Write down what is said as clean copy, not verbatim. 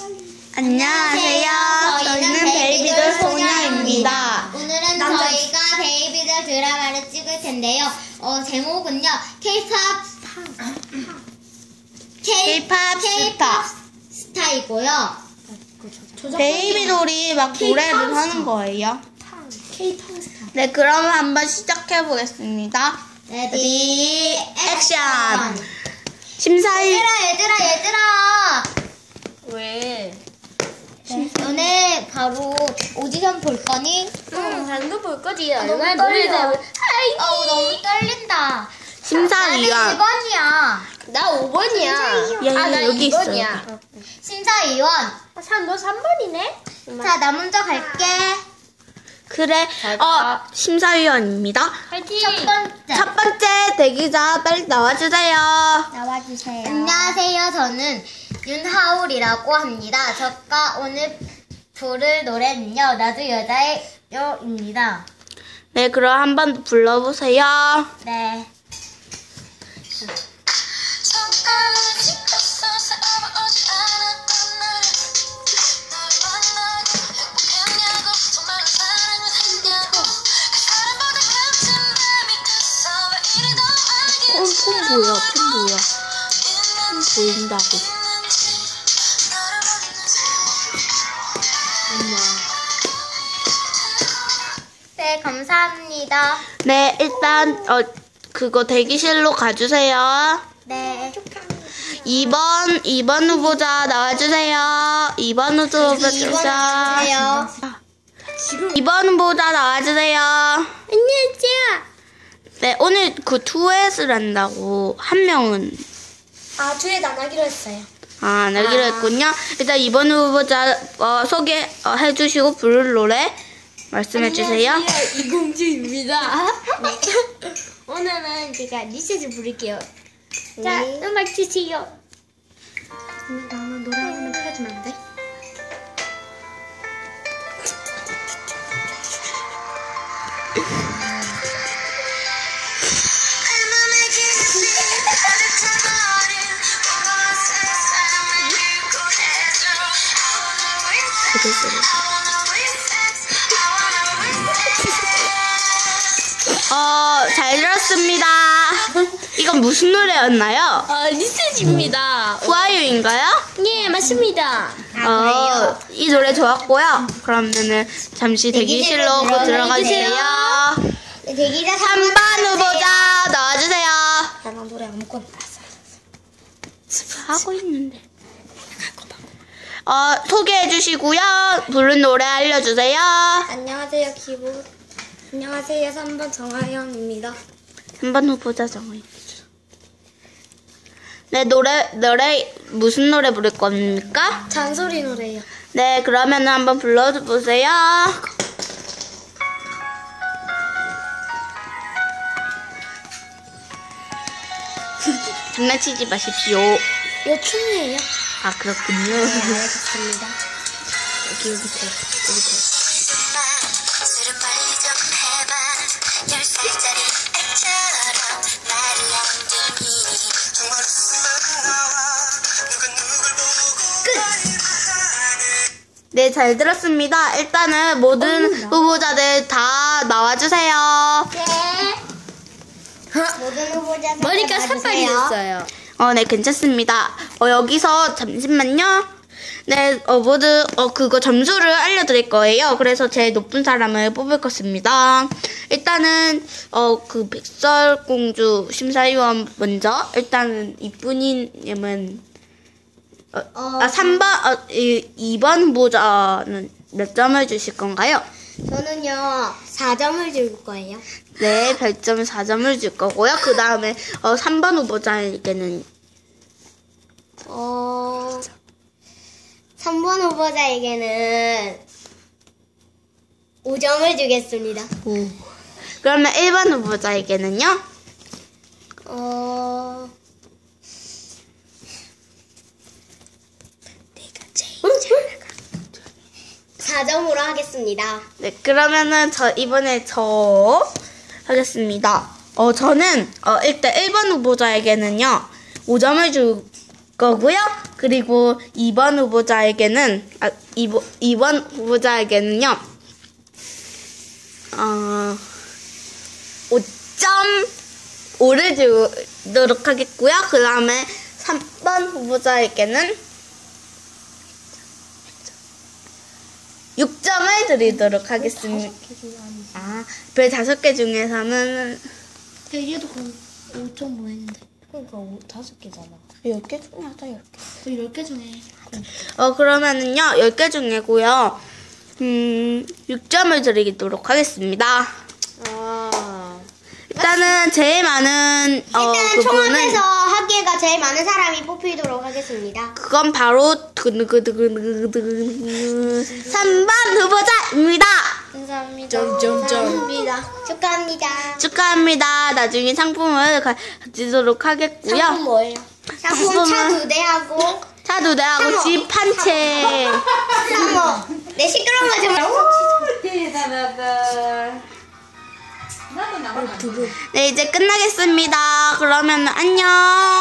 안녕하세요. 저희는 베이비돌 소녀입니다. 오늘은 저희가 베이비돌 드라마를 찍을 텐데요. 제목은요. K-팝 스타이고요. 베이비돌이 막 노래를 하는 거예요. 네, 그럼 한번 시작해 보겠습니다. 레디 액션. 심사위. 얘들아. 왜? 너네 바로 오디션 볼 거니? 방금 볼 거지. 너무 얼마나 떨려. 노래를 너무 떨린다. 심사위원. 나는 2번이야. 나 5번이야. 나 여기 있어. 심사위원. 너 3번이네? 자, 나 먼저 갈게. 그래. 심사위원입니다. 화이팅! 첫 번째 대기자 빨리 나와주세요. 나와주세요. 안녕하세요. 저는 윤하울이라고 합니다. 저가 오늘 부를 노래는요. 나도 여자예요입니다. 네, 그럼 한번 불러보세요. 네. 폰 보여. 보인다고. 네, 감사합니다. 네, 일단 그거 대기실로 가주세요. 네. 2번 후보자 나와주세요. 2번 후보자. 2번 후보자 나와주세요. 안녕하세요. 네, 오늘 그 투엣을 한다고 한 명은 두에 나가기로 했어요. 안 하기로 했군요. 일단 2번 후보자 소개해 주시고 부를 노래 말씀해 주세요. 안녕하세요. 이공주입니다. 네. 오늘은 제가 리셋을 부를게요. 자, 음악 주세요. 근데 나는 노래 한 번만 틀어주면 안 돼? 잘 들었습니다. 이건 무슨 노래였나요? 리셋입니다. 후아유인가요? 네, 맞습니다. 그래요? 이 노래 좋았고요. 그러면은 잠시 대기실로 들어가 주세요. 네, 대기자 3번 후보자 나와주세요. 나는 노래 아무거나 알았어. 하고 있는데. 소개해 주시고요. 부른 노래 알려주세요. 안녕하세요, 안녕하세요, 3번 정하영입니다. 3번 후보자 정의. 네, 노래 무슨 노래 부를 겁니까? 잔소리 노래요. 네, 그러면 한번 불러보세요. 장난치지 마십시오. 이거 춤이에요. 아, 그렇군요. 알겠습니다. 여기 밑에. 네, 잘 들었습니다. 일단은 모든 후보자들 다 나와주세요. 네. 모든 후보자 머리가 나와주세요. 색깔이 됐어요. 네, 괜찮습니다. 여기서 잠시만요. 네, 모두 그거 점수를 알려드릴 거예요. 그래서 제일 높은 사람을 뽑을 것입니다. 일단은 그 백설공주 심사위원 먼저. 일단은 이쁜이님은 3번 2번 후보자는 몇 점을 주실 건가요? 저는요 4점을 줄 거예요. 네, 별점 4점을 줄 거고요. 그 다음에 3번 후보자에게는 3번 후보자에게는 5점을 주겠습니다. 그러면 1번 후보자에게는요? 4점으로 하겠습니다. 네, 그러면은 이번에 하겠습니다. 저는 일단 1번 후보자에게는요 5점을 줄 거고요. 그리고 2번 후보자에게는 2번 후보자에게는요. 5.5를 주도록 하겠고요. 그 다음에 3번 후보자에게는 6점을 드리도록 하겠습니다. 별 5개 중에서는 얘도 5.5 했는데. 그러니까 5개잖아. 10개 중에 하자, 10개. 그 10개 중에. 그러면은요, 10개 중에고요. 6점을 드리도록 하겠습니다. 일단은 제일 많은 일단은 그분은 총합해서 학계가 제일 많은 사람이 뽑히도록 하겠습니다. 그건 바로 3번 후보자입니다. 감사합니다. 감사합니다. 축하합니다. 축하합니다. 나중에 상품을 가지도록 하겠고요. 상품 뭐예요? 상품 차 2대하고 차 2대하고 집 한 채. 상어. 내 시끄러운 거 좀. 네, 이제 끝나겠습니다. 그러면 안녕.